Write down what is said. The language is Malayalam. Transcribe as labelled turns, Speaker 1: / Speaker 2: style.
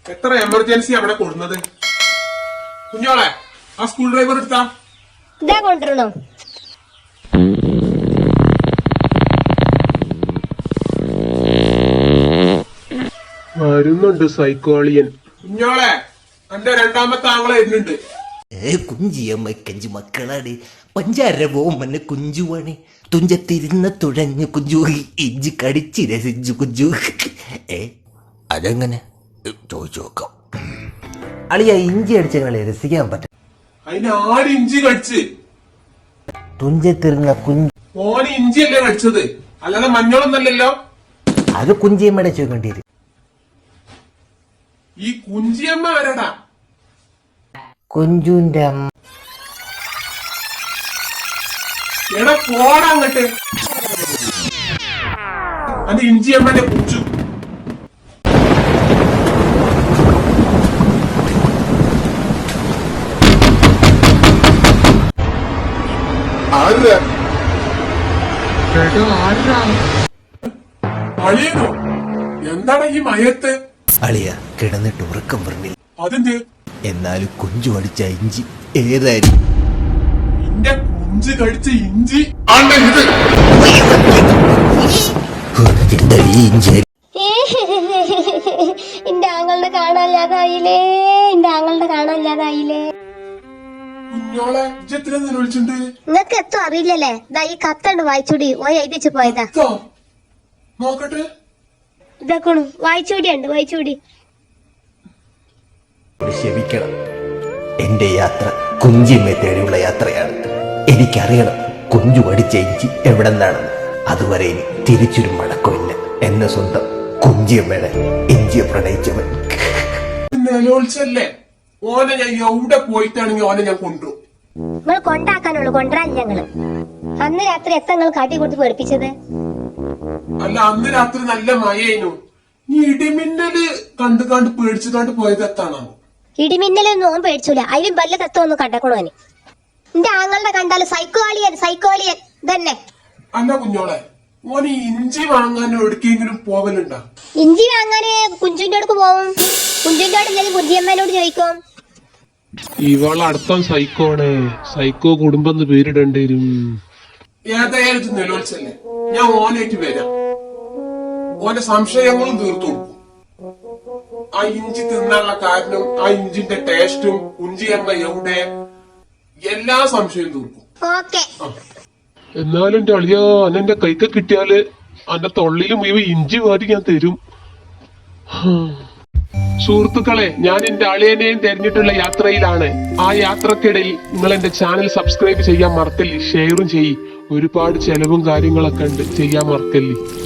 Speaker 1: എത്ര എമർജൻസി അവിടെ കൊടുക്കുന്നത്? കുഞ്ഞോളെ, ആ സ്കൂൾ ഡ്രൈവർ എടുത്താ
Speaker 2: ഇതാ കൊണ്ടുവരണോ?
Speaker 1: വരുന്നുണ്ട് സൈക്കോളിയൻ. കുഞ്ഞോളെ, എന്റെ രണ്ടാമത്തെ ആങ്ങളെ വരുന്നുണ്ട്.
Speaker 3: കുഞ്ചിയമ്മക്കഞ്ചു മക്കളാണ്. പഞ്ചാര പോമന് കുഞ്ചുവാണ്. തുഞ്ചത്തിരുന്ന തുഴഞ്ഞു കുഞ്ചു, ഇഞ്ചി കടിച്ച് രസിച്ചു കുഞ്ചു. അതെങ്ങനെ ചോദിച്ചു നോക്കാം. അളിയ ഇഞ്ചി അടിച്ചങ്ങളെ രസിക്കാൻ പറ്റും.
Speaker 1: അതിന് 6 ഇഞ്ചി കടിച്ച്.
Speaker 3: തുഞ്ചത്തിരുന്ന കുഞ്ചു
Speaker 1: ഓന് ഇഞ്ചിയല്ലേ കടിച്ചത്, അല്ലാതെ മഞ്ഞളൊന്നല്ലല്ലോ.
Speaker 3: അത് കുഞ്ചിയമ്മയുടെ ചോദിക്കേണ്ടി വരും.
Speaker 1: ഈ കുഞ്ചിയമ്മ ആരടാ?
Speaker 3: കുഞ്ചുന്റെ അമ്മ.
Speaker 1: എടാ പോടാ അങ്ങട്ട്. അത് ഇഞ്ചിയമ്മന്റെ കുഞ്ചു. അളിയനോ? എന്താണ് ഈ മയത്ത്?
Speaker 3: അളിയ കിടന്നിട്ട് ഉറക്കം പറഞ്ഞില്ല.
Speaker 1: അതെന്ത്?
Speaker 3: എന്നാലും കുഞ്ചു അടിച്ച ഇഞ്ചി ഏതായാലും
Speaker 1: നിന്റെ കുഞ്ചു കടിച്ച ഇഞ്ചി
Speaker 3: ഇഞ്ചി.
Speaker 2: എന്റെ ആങ്ങളുടെ കാണാനില്ലാതായില്ലേ, എന്റെ ആങ്ങളുടെ കാണാനില്ലാതായില്ലേ.
Speaker 1: കുഞ്ഞോളെ ഇജ്ജെത്ര വിളിച്ചിട്ടുണ്ട്?
Speaker 2: നിങ്ങക്ക് എത്തും അറിയില്ലല്ലേ. ഇതാ ഈ കത്തണ്ട് വായിച്ചൂടി. ഓ എഴുതിച്ചു പോയതാ.
Speaker 1: നോക്കട്ടെ.
Speaker 2: ഇതാക്കണു വായിച്ചൂടിയുണ്ട്, വായിച്ചൂടി.
Speaker 3: ക്ഷമിക്കണം, എന്റെ യാത്ര കുഞ്ചിയമ്മയെ തേടിയുള്ള യാത്രയാണ്. എനിക്കറിയണം കുഞ്ചു അടിച്ച ഇഞ്ചി എവിടെ നിന്നാണെന്ന്. അതുവരെ ഇനി തിരിച്ചൊരു മടക്കമില്ല. എന്നെ സ്വന്തം കുഞ്ചിയമ്മയുടെ ഇഞ്ചിയെ പ്രണയിച്ചവൻ.
Speaker 1: നിലോത്സല്ലേ ഓനെ ഞാൻ എവിടെ പോയിട്ടാണെങ്കിൽ ഓനെ ഞാൻ കൊണ്ടുപോകും.
Speaker 2: നിങ്ങൾ കൊണ്ടാക്കാനുള്ളൂ, കൊണ്ടുവരാൻ ഞങ്ങള്. അന്ന് രാത്രി എത്ര നിങ്ങൾ കാട്ടി കൊടുത്ത് പേടിപ്പിച്ചത്?
Speaker 1: അല്ല, അന്ന് രാത്രി നല്ല മഴയായിരുന്നു. ഈ ഇടിമിന്നല് കണ്ട് പേടിച്ചു പോയത് എത്താണോ?
Speaker 2: ഇടിമിന്നലൊന്നും ഓൻ പേടിച്ചൂല. അതിലും വല്ല തത്വമൊന്നും കണ്ടക്കണോന്. എന്റെ ആങ്ങളുടെ കണ്ടാല് സൈക്കോളിയൻ, സൈക്കോളിയൻ തന്നെ.
Speaker 1: അല്ല കുഞ്ഞോളെ, ഓന് ഇഞ്ചി വാങ്ങാൻ എവിടേക്കെങ്കിലും പോവലുണ്ടോ?
Speaker 2: ഇഞ്ചി വാങ്ങാന് കുഞ്ചുവിന്റെ അടുക്ക് പോവും. കുഞ്ചുവിന്റെ അടുത്ത് ഞാൻ കുഞ്ചിയമ്മേനോട് ചോദിക്കും.
Speaker 1: ഇവളടുത്ത സൈക്കോണ്. സൈക്കോ കുടുംബം പേരിടേണ്ടി വരും. ഏതായാലും നിലോത്സല്ലേ, ഞാൻ ഓനായിട്ട് വരാം. ഓന്റെ സംശയങ്ങളും തീർത്തു കൊടുക്കും. ആ ഇഞ്ചി തിന്നാനുള്ള കാരണം, ആ ഇഞ്ചിന്റെ ടേസ്റ്റും കുഞ്ചിയമ്മ എവിടെ, എല്ലാ സംശയവും തീർക്കും.
Speaker 2: ഓക്കെ.
Speaker 1: എന്നാലും എന്റെ അളിയാ, എന്റെ കൈക്ക് കിട്ടിയാല് എന്റെ തൊള്ളിലും ഇവ ഇഞ്ചി വാരി ഞാൻ തരും. സുഹൃത്തുക്കളെ, ഞാൻ എന്റെ അളിയനെയും തെരഞ്ഞിട്ടുള്ള യാത്രയിലാണ്. ആ യാത്രക്കിടയിൽ നിങ്ങൾ എന്റെ ചാനൽ സബ്സ്ക്രൈബ് ചെയ്യാൻ മറക്കല്ലേ, ഷെയറും ചെയ്യ്. ഒരുപാട് ചെലവും കാര്യങ്ങളൊക്കെ ഉണ്ട്, ചെയ്യാൻ മറക്കല്ലേ.